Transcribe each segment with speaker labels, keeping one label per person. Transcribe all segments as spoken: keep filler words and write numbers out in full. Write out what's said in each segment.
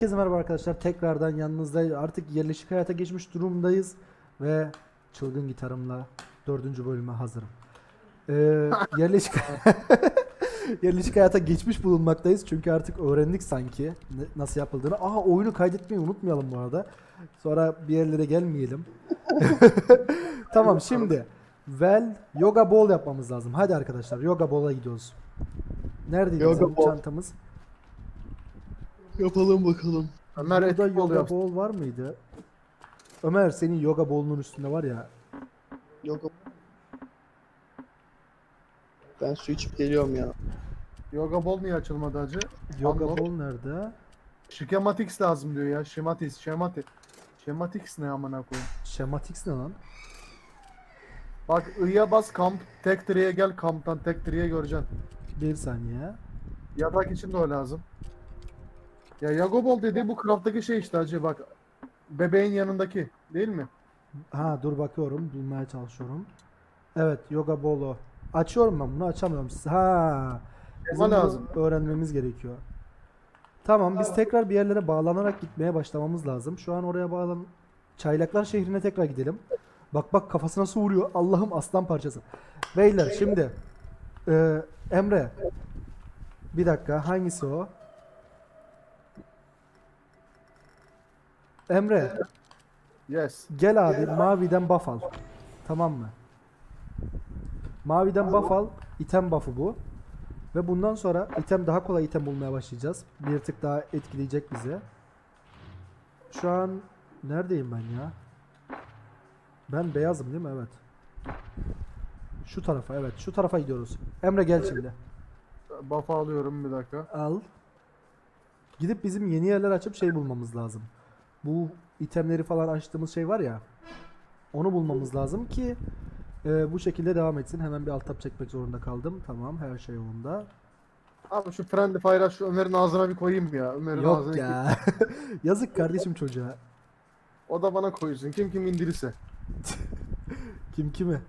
Speaker 1: Herkese merhaba arkadaşlar. Tekrardan yanınızdayız. Artık yerleşik hayata geçmiş durumdayız. Ve çılgın gitarımla dördüncü bölüme hazırım. Ee, yerleşik yerleşik hayata geçmiş bulunmaktayız. Çünkü artık öğrendik sanki ne- nasıl yapıldığını. Aha, oyunu kaydetmeyi unutmayalım bu arada. Sonra bir yerlere gelmeyelim. Tamam, şimdi Well Yoga Ball yapmamız lazım. Hadi arkadaşlar, Yoga Ball'a gidiyoruz. Neredeydi
Speaker 2: Yoga
Speaker 1: bizim
Speaker 2: Ball.
Speaker 1: çantamız?
Speaker 2: Yapalım bakalım. Ömer
Speaker 1: Burada
Speaker 2: etki
Speaker 1: yoga
Speaker 2: oluyor.
Speaker 1: ball var mıydı? Ömer, senin yoga ball'unun üstünde var ya.
Speaker 2: Yoga. Ben su içip geliyorum ya.
Speaker 3: Yoga Ball niye açılmadı hacı?
Speaker 1: Yoga
Speaker 3: Unlock.
Speaker 1: ball nerede?
Speaker 3: Schematics lazım diyor ya. Schematics, Schematic. Schematics ne amına koyayım?
Speaker 1: Schematics ne lan?
Speaker 3: Bak I'ya bas kamp, tek tree'ye gel, kamptan tek tree'ye göreceksin.
Speaker 1: Bir saniye.
Speaker 3: Yatak için de o lazım. Ya Yoga Ball dediği bu craft'taki şey işte hacı bak. Bebeğin yanındaki değil mi?
Speaker 1: Ha, dur bakıyorum, bulmaya çalışıyorum. Evet, yoga ball o. Açıyorum, ben bunu açamıyorum. Ha. Bizim
Speaker 3: Ama
Speaker 1: bunu
Speaker 3: lazım.
Speaker 1: öğrenmemiz gerekiyor. Tamam, biz tekrar bir yerlere bağlanarak gitmeye başlamamız lazım. Şu an oraya bağlan... Çaylaklar şehrine tekrar gidelim. Bak bak, kafasına su vuruyor. Allah'ım, aslan parçası. Beyler şimdi e, Emre, bir dakika, hangisi o? Emre,
Speaker 3: Yes.
Speaker 1: gel abi, maviden buff al. Tamam mı? Maviden buff al. İtem buff'ı bu. Ve bundan sonra item, daha kolay item bulmaya başlayacağız. Bir tık daha etkileyecek bizi. Şu an neredeyim ben ya? Ben beyazım değil mi? Evet. Şu tarafa, evet. Şu tarafa gidiyoruz. Emre, gel şimdi.
Speaker 3: Buff alıyorum bir dakika.
Speaker 1: Al. Gidip bizim yeni yerler açıp şey bulmamız lazım. Bu itemleri falan açtığımız şey var ya. Onu bulmamız lazım ki e, bu şekilde devam etsin. Hemen bir alt tab çekmek zorunda kaldım. Tamam, her şey yolunda.
Speaker 3: Abi şu Friendly Fire'a şu Ömer'in ağzına bir koyayım ya. Ömer'in
Speaker 1: Yok
Speaker 3: ağzına
Speaker 1: ya. Yazık kardeşim çocuğa.
Speaker 3: O da bana koysun. Kim kim indirirse.
Speaker 1: Kim kimi?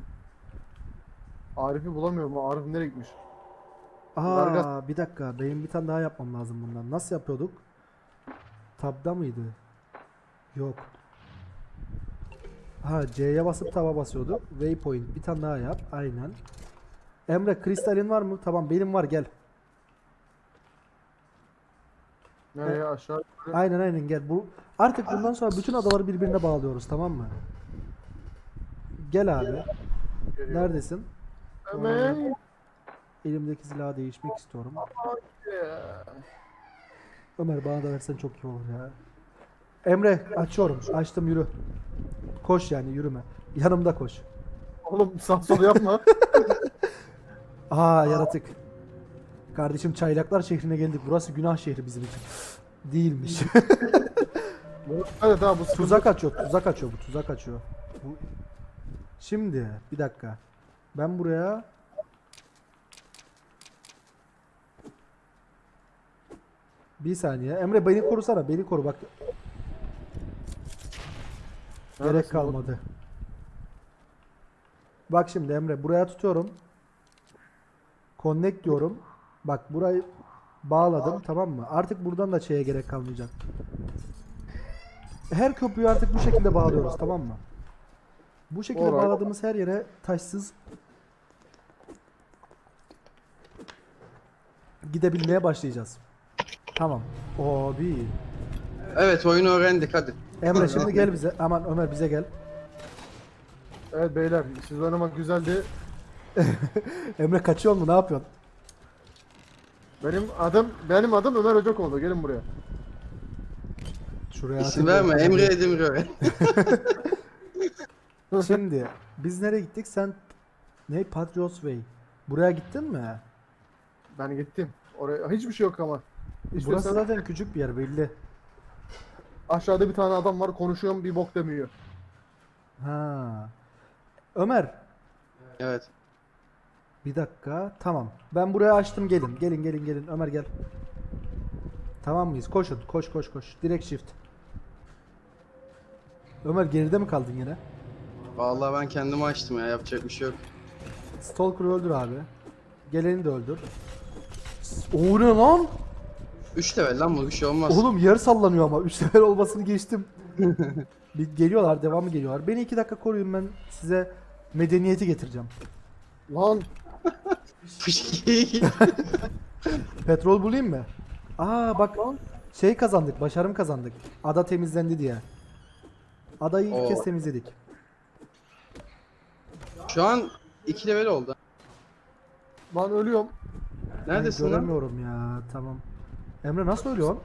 Speaker 3: Arif'i bulamıyorum. Arif nereye gitmiş? Vargas-
Speaker 1: Aa, bir dakika. Benim bir tane daha yapmam lazım bundan. Nasıl yapıyorduk? Tab'da mıydı? Yok. Ha, C'ye basıp taba basıyorduk. Waypoint. Bir tane daha yap. Aynen. Emre, kristalin var mı? Tamam, benim var, gel.
Speaker 3: Nereye aşağı?
Speaker 1: Aynen aynen, gel. Bu artık bundan sonra bütün adaları birbirine bağlıyoruz, tamam mı? Gel abi.
Speaker 3: Geliyor.
Speaker 1: Neredesin?
Speaker 3: Ömer.
Speaker 1: Elimdeki silahı değişmek istiyorum. Ömer, bana da versen çok iyi olur ya. Emre, açıyorum. Açtım, yürü. Koş, yani yürüme. Yanımda koş.
Speaker 3: Oğlum sağ sol yapma.
Speaker 1: Aa, yaratık. Kardeşim, Çaylaklar şehrine geldik. Burası günah şehri bizim için. Değilmiş.
Speaker 3: Evet abi bu sıkıntı.
Speaker 1: Tuzak açıyor, tuzak açıyor bu, tuzak açıyor. Bu... Şimdi bir dakika. Ben buraya bir saniye. Emre, beni korusana, beni koru bak. Gerek
Speaker 3: Neredesin
Speaker 1: kalmadı. Bak şimdi Emre, buraya tutuyorum. Connect diyorum. Bak, burayı bağladım, tamam mı? Artık buradan da şeye gerek kalmayacak. Her köprüyü artık bu şekilde bağlıyoruz, tamam mı? Bu şekilde
Speaker 3: Alright.
Speaker 1: bağladığımız her yere taşsız gidebilmeye başlayacağız. Tamam. Abi.
Speaker 2: Evet, oyunu öğrendik hadi.
Speaker 1: Emre, şimdi gel bize. Aman Ömer, bize gel.
Speaker 3: Evet beyler siz oynamak güzeldi.
Speaker 1: Emre, kaçıyor mu? Ne yapıyorsun?
Speaker 3: Benim adım benim adım Ömer Hocakoğlu. Gelin buraya.
Speaker 1: Şuraya
Speaker 2: İsim
Speaker 1: atayım da-
Speaker 2: verme, Emre Edemir öğren.
Speaker 1: Şimdi biz nereye gittik? Sen ne? Patriots Way. Buraya gittin mi?
Speaker 3: Ben gittim. Oraya hiçbir şey yok ama. İşte
Speaker 1: Burası
Speaker 3: sen-
Speaker 1: zaten küçük bir yer, belli.
Speaker 3: aşağıda bir tane adam var konuşuyorum bir bok demiyor.
Speaker 1: Ha. Ömer,
Speaker 2: Evet.
Speaker 1: bir dakika. Tamam. Ben buraya açtım, gelin. Gelin gelin gelin. Ömer, gel. Tamam mıyız? Koşun. Koş koş koş. Direkt shift. Ömer, geride mi kaldın yine?
Speaker 2: Vallahi ben kendimi açtım ya, yapacak bir şey yok.
Speaker 1: Stalker'ı öldür abi. Geleni de öldür. O ne lan?
Speaker 2: üç level lan bu, bir şey olmaz.
Speaker 1: Oğlum yer sallanıyor ama. üç level olmasını geçtim. Bir geliyorlar, devamı geliyorlar. Beni iki dakika koruyun, ben size medeniyeti getireceğim.
Speaker 3: Lan
Speaker 2: Fışkiye
Speaker 1: Petrol bulayım mı? Aa bak,
Speaker 3: lan.
Speaker 1: şey kazandık, başarım kazandık. Ada temizlendi diye. Adayı ilk
Speaker 2: Oo.
Speaker 1: kez temizledik.
Speaker 2: Şu an iki level oldu.
Speaker 3: Lan ölüyorum.
Speaker 2: Neredesin
Speaker 1: Ben
Speaker 2: lan?
Speaker 1: göremiyorum ya, tamam. Emre nasıl ölüyorsun?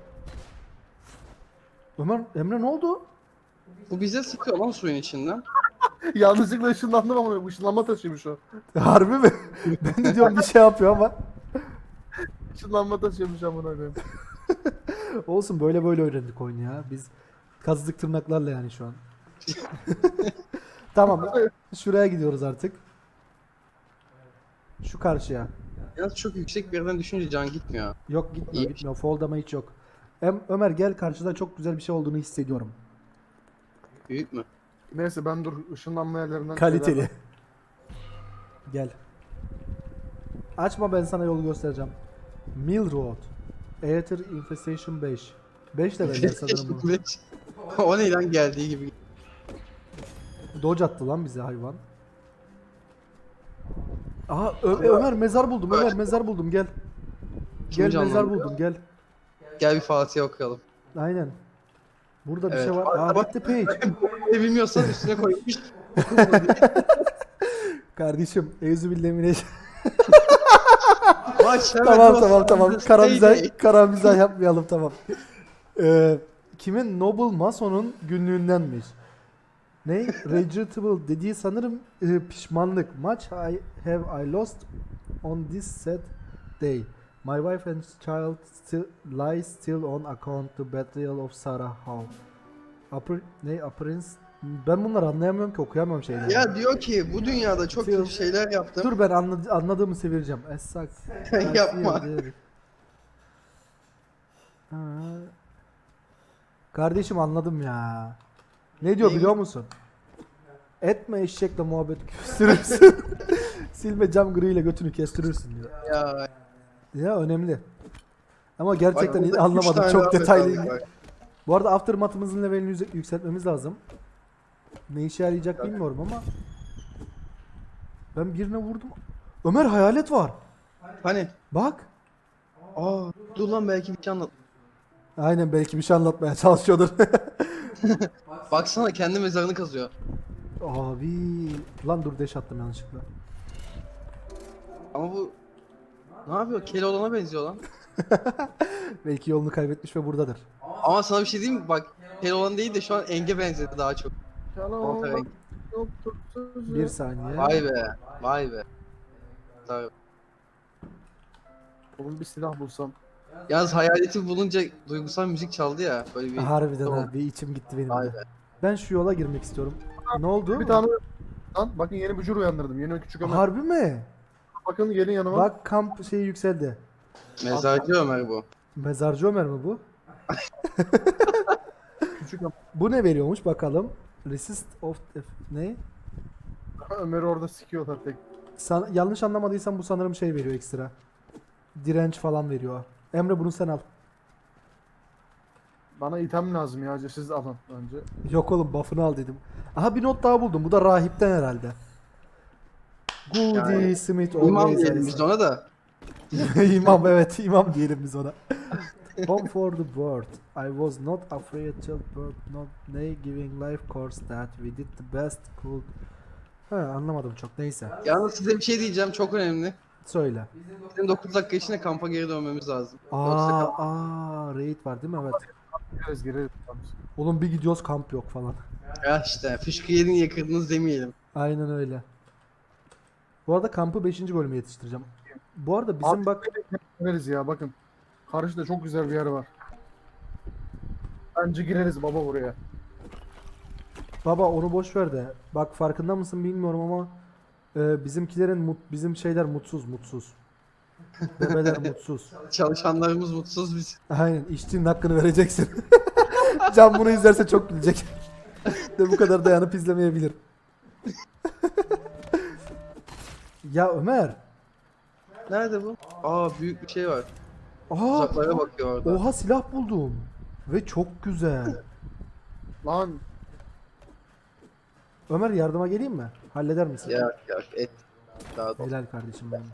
Speaker 1: Ömer, Emre ne oldu?
Speaker 2: Bu bize sıkıyor lan suyun içinden.
Speaker 3: Yanlışlıkla ışınlandım ama ışınlanma taşıymış o.
Speaker 1: Harbi mi? Ben de diyorum bir şey yapıyor ama.
Speaker 3: Işınlanma taşıymış amına koyayım.
Speaker 1: Olsun, böyle böyle öğrendik oyunu ya. Biz kazıdık tırnaklarla yani şu an. Tamam. Şuraya gidiyoruz artık. Şu karşıya.
Speaker 2: Yalnız çok yüksek bir yerden düşünce can gitmiyor.
Speaker 1: Yok, gitmiyor
Speaker 2: İyi.
Speaker 1: gitmiyor. Fall damage hiç yok. Em Ömer gel, karşıda çok güzel bir şey olduğunu hissediyorum.
Speaker 2: Büyük mü?
Speaker 3: Neyse ben dur ışınlanma yerlerinden
Speaker 1: Kaliteli.
Speaker 3: şeyler-
Speaker 1: Gel. Açma, ben sana yolu göstereceğim. Mill Road. Aether Infestation beş. beş level sanırım bu.
Speaker 2: O ne lan, geldiği gibi.
Speaker 1: Dodge attı lan bize hayvan. Aha Ö- Ömer mezar buldum. Ömer mezar buldum, gel.
Speaker 2: Kim
Speaker 1: Gel, mezar
Speaker 2: canlandırıyor?
Speaker 1: buldum, gel.
Speaker 2: Gel bir Fatih'e okuyalım.
Speaker 1: Aynen. Burada bir
Speaker 2: Evet.
Speaker 1: şey var. Aa, bitti page.
Speaker 2: Ne bilmiyorsan üstüne koymuş.
Speaker 1: Kardeşim, Euzubillahimineş.
Speaker 2: Maç hemen
Speaker 1: Tamam
Speaker 2: olsun.
Speaker 1: tamam tamam.
Speaker 2: Stay
Speaker 1: Karamizah,
Speaker 2: day.
Speaker 1: karamizah yapmayalım, tamam. Ee, kimin? Noble Mason'un günlüğündenmiş. Ne? Regrettable dediği sanırım e, pişmanlık. Much I have I lost on this sad day. My wife and child still lie still on account the betrayal of Sarah Howe. Upper, ne? Appearance. Ben bunları anlayamıyorum ki, okuyamıyorum şeyleri.
Speaker 2: Ya diyor ki bu dünyada çok
Speaker 1: Still-
Speaker 2: kötü şeyler yaptım.
Speaker 1: Dur, ben anladı, anladığımı çevireceğim. As sucks.
Speaker 2: Yapma.
Speaker 1: Ha. Kardeşim anladım ya. Ne diyor
Speaker 2: Neyi?
Speaker 1: biliyor musun? Etme eşekle muhabbet küstürürsün. Silme cam griyle götünü kestirirsin diyor.
Speaker 2: Ya,
Speaker 1: Ya önemli. Ama gerçekten
Speaker 2: bak, burada üç
Speaker 1: anlamadım,
Speaker 2: tane
Speaker 1: çok
Speaker 2: daha
Speaker 1: detaylı.
Speaker 2: metal var.
Speaker 1: Bu arada aftermath'ımızın levelini yüze- yükseltmemiz lazım. Ne işe yarayacak bilmiyorum ama ben birine vurdum. Ömer, hayalet var.
Speaker 2: Hani?
Speaker 1: Bak.
Speaker 2: Aa, dur lan, belki bir şey anlat.
Speaker 1: Aynen, belki bir şey anlatmaya çalışıyordur.
Speaker 2: Baksana, kendi mezarını kazıyor.
Speaker 1: Abi, lan dur, deş attım yanlışlıkla.
Speaker 2: Ama bu ne yapıyor? Keloğlan'a benziyor lan.
Speaker 1: Belki yolunu kaybetmiş ve buradadır.
Speaker 2: Ama sana bir şey diyeyim mi? Bak, Keloğlan değil de şu an Enge benzedi daha çok.
Speaker 3: Yalan
Speaker 2: Orta renk.
Speaker 3: yoktur sözü.
Speaker 1: Bir saniye.
Speaker 2: Vay be. Vay be. Tabii.
Speaker 3: Oğlum bir silah bulsam.
Speaker 2: Yalnız hayaleti bulunca duygusal müzik çaldı ya. Böyle bir...
Speaker 1: Harbiden
Speaker 2: Tamam.
Speaker 1: ha, bir içim gitti benim
Speaker 2: Vay
Speaker 1: de.
Speaker 2: be.
Speaker 1: Ben şu yola girmek istiyorum. Ne oldu?
Speaker 3: Bir tane lan bakın yeni bir cür uyandırdım. Yeni küçük Ömer.
Speaker 1: Harbi mi?
Speaker 3: Bakın gelin yanıma.
Speaker 1: Bak, kamp şeyi yükseldi.
Speaker 2: Mezarcı Ömer bu.
Speaker 1: Mezarcı Ömer mi bu?
Speaker 3: Küçük Ömer.
Speaker 1: Bu ne veriyormuş bakalım. Resist of ne?
Speaker 3: Ömer'i orada sikiyorlar tek.
Speaker 1: San- yanlış anlamadıysam bu sanırım şey veriyor ekstra. Direnç falan veriyor. Emre, bunu sen al.
Speaker 3: Bana item lazım ya. Siz alın önce.
Speaker 1: Yok oğlum, buff'ını al dedim. Aha, bir not daha buldum. Bu da rahipten herhalde. Goody
Speaker 2: Yani,
Speaker 1: Smith
Speaker 2: İmam
Speaker 1: always
Speaker 2: diyelim
Speaker 1: has-
Speaker 2: biz ona da.
Speaker 1: İmam, evet, imam diyelim biz ona. Home for the bird. I was not afraid till birth not nay giving life course that we did the best could. Ha, anlamadım çok, neyse.
Speaker 2: Yalnız size bir şey diyeceğim, çok önemli.
Speaker 1: Söyle.
Speaker 2: Bizim dokuz dakika içinde kampa geri dönmemiz lazım. Yoksa
Speaker 1: Aa,
Speaker 2: kamp-
Speaker 1: aa, raid var değil mi? Evet.
Speaker 3: Gireriz gireriz.
Speaker 1: Oğlum bir gidiyoruz, kamp yok falan.
Speaker 2: Ya işte fışkı yedin yakırdınız demeyelim.
Speaker 1: Aynen öyle. Bu arada kampı beşinci bölüme yetiştireceğim. Bu arada bizim
Speaker 3: Abi,
Speaker 1: bak,
Speaker 3: Gireriz ya bakın. Karşıda çok güzel bir yer var. Bence gireriz baba buraya.
Speaker 1: baba onu boş ver de. Bak, farkında mısın bilmiyorum ama e, bizimkilerin mut, bizim şeyler mutsuz mutsuz. Bebeler mutsuz.
Speaker 2: Çalışanlarımız mutsuz biz.
Speaker 1: Aynen, işçinin hakkını vereceksin. Can bunu izlerse çok gülecek. De bu kadar dayanıp izlemeyebilir. Ya Ömer,
Speaker 2: Nerede bu? Aa, büyük bir şey var.
Speaker 1: Aa,
Speaker 2: Uzaklara bakıyor orada.
Speaker 1: oha silah buldum. Ve çok güzel.
Speaker 3: Lan
Speaker 1: Ömer yardıma geleyim mi? Halleder misin?
Speaker 2: Ya ya et. Daha da.
Speaker 1: Helal kardeşim benim.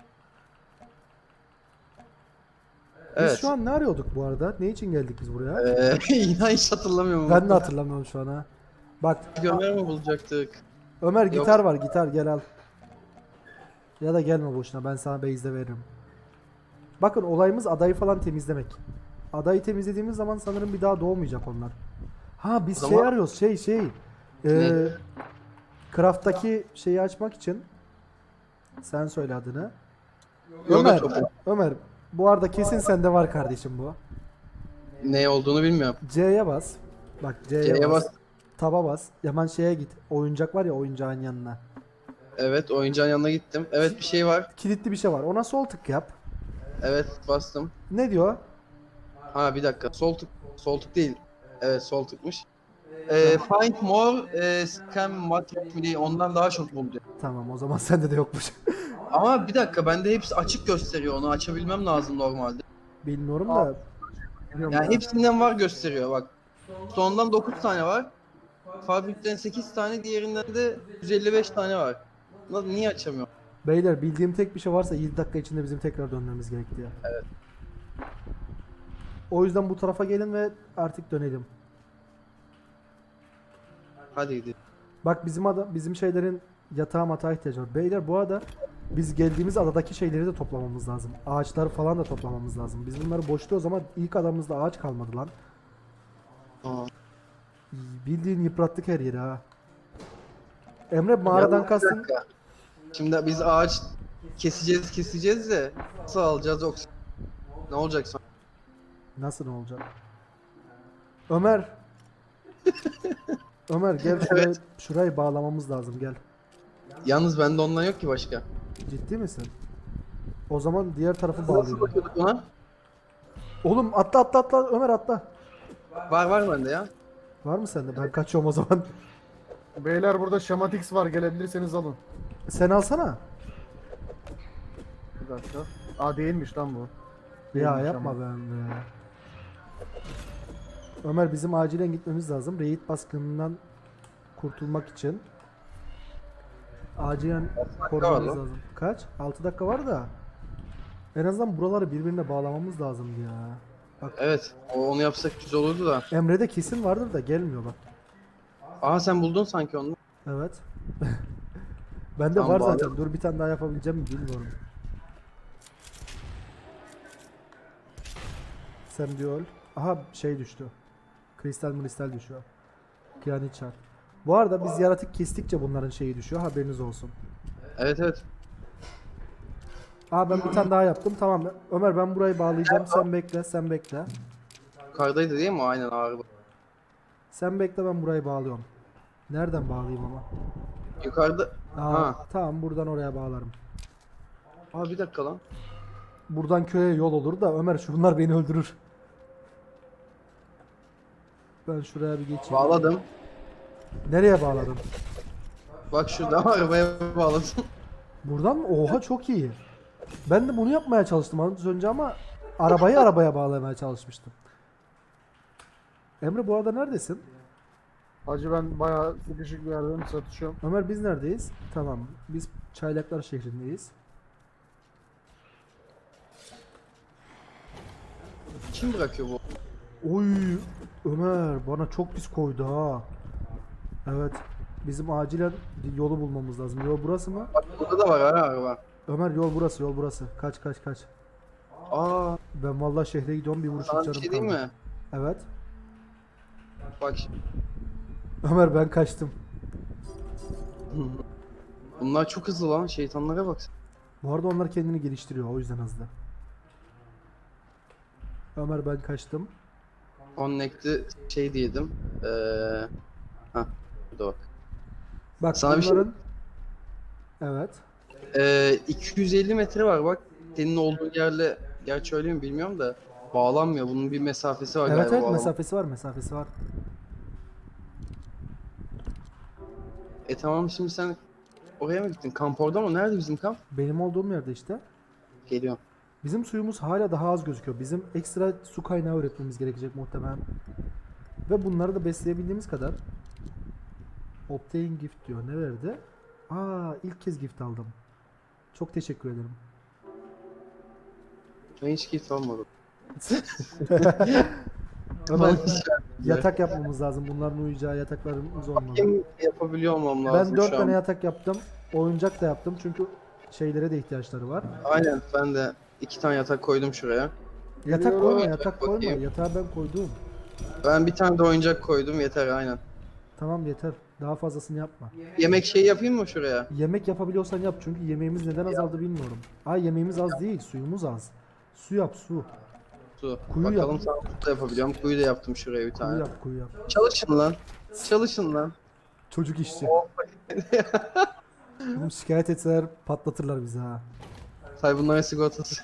Speaker 1: Biz
Speaker 2: Evet.
Speaker 1: şu an ne arıyorduk bu arada? Ne için geldik biz buraya?
Speaker 2: Ee, inan hiç hatırlamıyorum.
Speaker 1: Ben de hatırlamıyorum şu an ha. Bak
Speaker 2: Gömer mi bulacaktık?
Speaker 1: Ömer gitar var, gitar gel al. Ya da gelme boşuna, ben sana base'de veririm. Bakın olayımız adayı falan temizlemek. Adayı temizlediğimiz zaman sanırım bir daha doğmayacak onlar. Ha biz
Speaker 2: O
Speaker 1: şey
Speaker 2: zaman-
Speaker 1: arıyoruz, şey şey. Ee,
Speaker 2: Ne?
Speaker 1: Craft'taki şeyi açmak için. Sen söyle adını.
Speaker 2: Yoga
Speaker 1: Ömer,
Speaker 2: topu.
Speaker 1: Ömer bu arada kesin sende var kardeşim bu.
Speaker 2: Ne olduğunu bilmiyorum.
Speaker 1: C'ye bas. Bak C'ye,
Speaker 2: C'ye
Speaker 1: bas.
Speaker 2: bas.
Speaker 1: Taba bas. Hemen şeye git. Oyuncak var ya, oyuncağın yanına.
Speaker 2: Evet, oyuncağın yanına gittim. Evet, bir şey var.
Speaker 1: Kilitli bir şey var. Ona sol tık yap.
Speaker 2: Evet, bastım.
Speaker 1: Ne diyor?
Speaker 2: Ha bir dakika. Sol tık. Sol tık değil. Evet, sol tıkmış. Ee, find more e, scam matrix ondan daha çok buldu.
Speaker 1: Tamam, o zaman sende de yokmuş.
Speaker 2: Ama bir dakika, bende hepsi açık gösteriyor. Onu açabilmem lazım normalde.
Speaker 1: Bilmiyorum
Speaker 3: Aa.
Speaker 1: da.
Speaker 3: biliyorum
Speaker 2: Yani
Speaker 3: ben.
Speaker 2: hepsinden var gösteriyor bak. Sondan dokuz tane var. Fabrikten sekiz tane, diğerinden de yüz elli beş tane var. Lan niye açamıyorum?
Speaker 1: Beyler bildiğim tek bir şey varsa yedi dakika içinde bizim tekrar dönmemiz gerekti ya.
Speaker 2: Evet.
Speaker 1: O yüzden bu tarafa gelin ve artık dönelim.
Speaker 2: Hadi gidelim.
Speaker 1: Bak bizim ada, bizim şeylerin yatağa matağa ihtiyacı var. Beyler bu arada biz geldiğimiz adadaki şeyleri de toplamamız lazım. Ağaçları falan da toplamamız lazım. Biz bunları boşluğu o zaman ilk adamımızda ağaç kalmadı lan.
Speaker 2: Aa.
Speaker 1: Bildiğin yıprattık her yeri ha. Emre mağaradan
Speaker 2: Yalnız bir
Speaker 1: kastın.
Speaker 2: dakika. Şimdi biz ağaç keseceğiz keseceğiz de nasıl alacağız oksijen? Ne olacak sonra?
Speaker 1: Nasıl ne olacak? Ömer. Ömer gel şuraya,
Speaker 2: Evet.
Speaker 1: şurayı bağlamamız lazım, gel.
Speaker 2: Yalnız bende ondan yok ki başka.
Speaker 1: Ciddi misin? O zaman diğer tarafı
Speaker 2: Nasıl
Speaker 1: bağlayalım.
Speaker 2: bakıyorduk ona?
Speaker 1: Oğlum atla atla atla Ömer atla.
Speaker 2: Var var bende ya.
Speaker 1: Var mı sende? Ben kaçıyorum o zaman.
Speaker 3: Beyler burada Şamatix var, gelebilirseniz alın.
Speaker 1: Sen alsana.
Speaker 3: Bir dakika. Aa değilmiş lan bu.
Speaker 1: Ya
Speaker 3: Değilmiş
Speaker 1: yapma
Speaker 3: ama.
Speaker 1: ben be. Ömer bizim acilen gitmemiz lazım. Raid baskınından kurtulmak için. Acilen korumamız
Speaker 2: var lan.
Speaker 1: lazım. Kaç? altı dakika var da. En azından buraları birbirine bağlamamız lazım ya. Bak
Speaker 2: Evet. O, onu yapsak güzel olurdu da.
Speaker 1: Emre'de kesin vardır da gelmiyor bak.
Speaker 2: Aha sen buldun sanki onu.
Speaker 1: Evet. Bende
Speaker 2: Tamam,
Speaker 1: var
Speaker 2: bağlayalım.
Speaker 1: zaten. Dur bir tane daha yapabileceğim mi bilmiyorum. Sen diyor. Aha şey düştü. Kristal kristal düşüyor. Kıyamet çarp. Bu arada biz yaratık kestikçe bunların şeyi düşüyor. Haberiniz olsun.
Speaker 2: Evet evet.
Speaker 1: Aa ben bir tane daha yaptım. Tamam. Ömer ben burayı bağlayacağım. Sen bekle. Sen bekle.
Speaker 2: Yukarıdaydı değil mi? o? Aynen ağrı.
Speaker 1: Sen bekle, ben burayı bağlıyorum. Nereden bağlayayım ama?
Speaker 2: Yukarıda.
Speaker 1: Aa,
Speaker 2: Ha.
Speaker 1: tamam buradan oraya bağlarım.
Speaker 2: Aa bir dakika lan.
Speaker 1: Buradan köye yol olur da Ömer şunlar beni öldürür. Ben şuraya bir geçeyim.
Speaker 2: Bağladım.
Speaker 1: Nereye bağladım?
Speaker 2: Bak şurada arabaya bağladım.
Speaker 1: Buradan mı? Oha çok iyi. Ben de bunu yapmaya çalıştım az önce ama arabayı arabaya bağlamaya çalışmıştım. Emre bu arada neredesin?
Speaker 3: Hacı ben bayağı sıkışık bir yerden satışıyorum.
Speaker 1: Ömer biz neredeyiz? Tamam. Biz Çaylaklar şehrindeyiz.
Speaker 2: Kim bırakıyor bu?
Speaker 1: Oy Ömer bana çok pis koydu ha. Evet. Bizim acilen yolu bulmamız lazım. Yol burası mı?
Speaker 2: Bak burada da var ha araba.
Speaker 1: Ömer yol burası, yol burası. Kaç kaç kaç.
Speaker 2: Aa
Speaker 1: Ben vallahi şehre gidiyorum, bir vuruşluk
Speaker 2: sana bir
Speaker 1: canım
Speaker 2: şey diyeyim
Speaker 1: kaldı.
Speaker 2: mi?
Speaker 1: Evet.
Speaker 2: Bak şimdi.
Speaker 1: Ömer ben kaçtım.
Speaker 2: Bunlar çok hızlı lan. Şeytanlara bak.
Speaker 1: Bu arada onlar kendini geliştiriyor, o yüzden hızlı. Ömer ben kaçtım.
Speaker 2: Connect'i şey diyedim. Eee ha burada bak.
Speaker 1: Bak
Speaker 2: Sana bir şey-
Speaker 1: bunların... Evet.
Speaker 2: Eee iki yüz elli metre var bak. Senin olduğun yerle, gerçi öyle mi bilmiyorum da bağlanmıyor. Bunun bir mesafesi var
Speaker 1: Evet
Speaker 2: galiba.
Speaker 1: evet
Speaker 2: bağlam-
Speaker 1: mesafesi var, mesafesi var.
Speaker 2: E tamam şimdi sen oraya mı gittin? Kamp orada mı? Nerede bizim kamp?
Speaker 1: Benim olduğum yerde işte.
Speaker 2: Geliyorum.
Speaker 1: Bizim suyumuz hala daha az gözüküyor. Bizim ekstra su kaynağı üretmemiz gerekecek muhtemelen. Ve bunları da besleyebildiğimiz kadar. Obtain gift diyor. Ne verdi? Aa, ilk kez gift aldım. Çok teşekkür ederim.
Speaker 2: Ben hiç keyif almadım.
Speaker 1: Ömer, yatak yapmamız lazım. Bunların uyuyacağı yataklarımız olmalı.
Speaker 2: Kim yapabiliyor olmam lazım
Speaker 1: Ben dört
Speaker 2: şu
Speaker 1: tane
Speaker 2: an.
Speaker 1: yatak yaptım. Oyuncak da yaptım çünkü şeylere de ihtiyaçları var.
Speaker 2: Aynen ben de iki tane yatak koydum şuraya.
Speaker 1: Yatak
Speaker 3: Geliyorum.
Speaker 1: koyma, yatak koyma.
Speaker 2: Bakayım.
Speaker 1: Yatağı ben koydum.
Speaker 2: Ben bir tane de oyuncak koydum yeter aynen.
Speaker 1: Tamam yeter. Daha fazlasını yapma.
Speaker 2: Yemek şey yapayım mı şuraya?
Speaker 1: Yemek yapabiliyorsan yap çünkü yemeğimiz neden azaldı bilmiyorum. Ay yemeğimiz az değil, suyumuz az. Su yap, su.
Speaker 2: Su.
Speaker 1: Kuyu
Speaker 2: Bakalım
Speaker 1: yap.
Speaker 2: sağlıklı da yapabiliyorum. Kuyu da yaptım şuraya bir
Speaker 1: Kuyu
Speaker 2: tane.
Speaker 1: yap, kuyu yap.
Speaker 2: Çalışın lan. Çalışın lan.
Speaker 1: Çocuk işçi. Oğlum şikayet etseler patlatırlar bizi ha.
Speaker 2: Say bunların sigortası.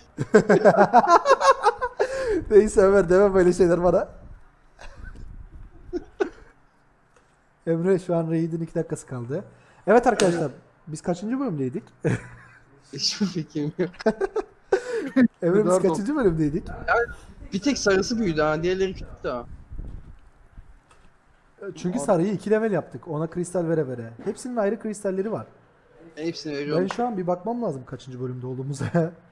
Speaker 1: Neyse Ömer deme böyle şeyler bana. Emre şu an Raid'in iki dakikası kaldı. Evet arkadaşlar biz kaçıncı bölümdeydik?
Speaker 2: Hiçbir fikrim yok.
Speaker 1: Emre biz
Speaker 3: Dört
Speaker 1: kaçıncı bölümdeydik?
Speaker 2: Bir tek sarısı büyüdü ha. Diğerleri küçüktü ha.
Speaker 1: Çünkü sarıyı iki level yaptık ona kristal vere vere. Hepsinin ayrı kristalleri var.
Speaker 2: Ben hepsini
Speaker 1: Ben
Speaker 2: veriyorum.
Speaker 1: şu an bir bakmam lazım kaçıncı bölümde olduğumuza.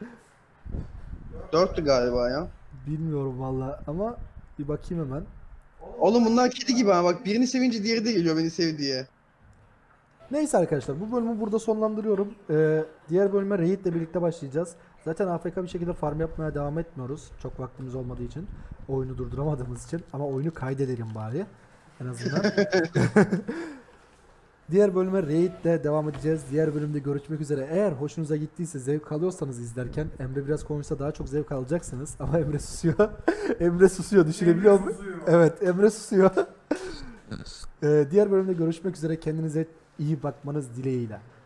Speaker 2: Dörttü galiba ya.
Speaker 1: Bilmiyorum valla ama bir bakayım hemen.
Speaker 2: Oğlum bunlar kedi gibi ha. Bak birini sevince diğeri de geliyor beni sev diye.
Speaker 1: Neyse arkadaşlar bu bölümü burada sonlandırıyorum. Ee, diğer bölüme Raid ile birlikte başlayacağız. Zaten A F K bir şekilde farm yapmaya devam etmiyoruz. Çok vaktimiz olmadığı için. Oyunu durduramadığımız için. Ama oyunu kaydedelim bari. En azından. Diğer bölüme Raid ile devam edeceğiz. Diğer bölümde görüşmek üzere. Eğer hoşunuza gittiyse, zevk alıyorsanız izlerken Emre biraz konuşsa daha çok zevk alacaksınız. Ama Emre susuyor. Emre susuyor. Düşünebiliyor musun? Evet, Emre susuyor. Ee, diğer bölümde görüşmek üzere. Kendinize iyi bakmanız dileğiyle.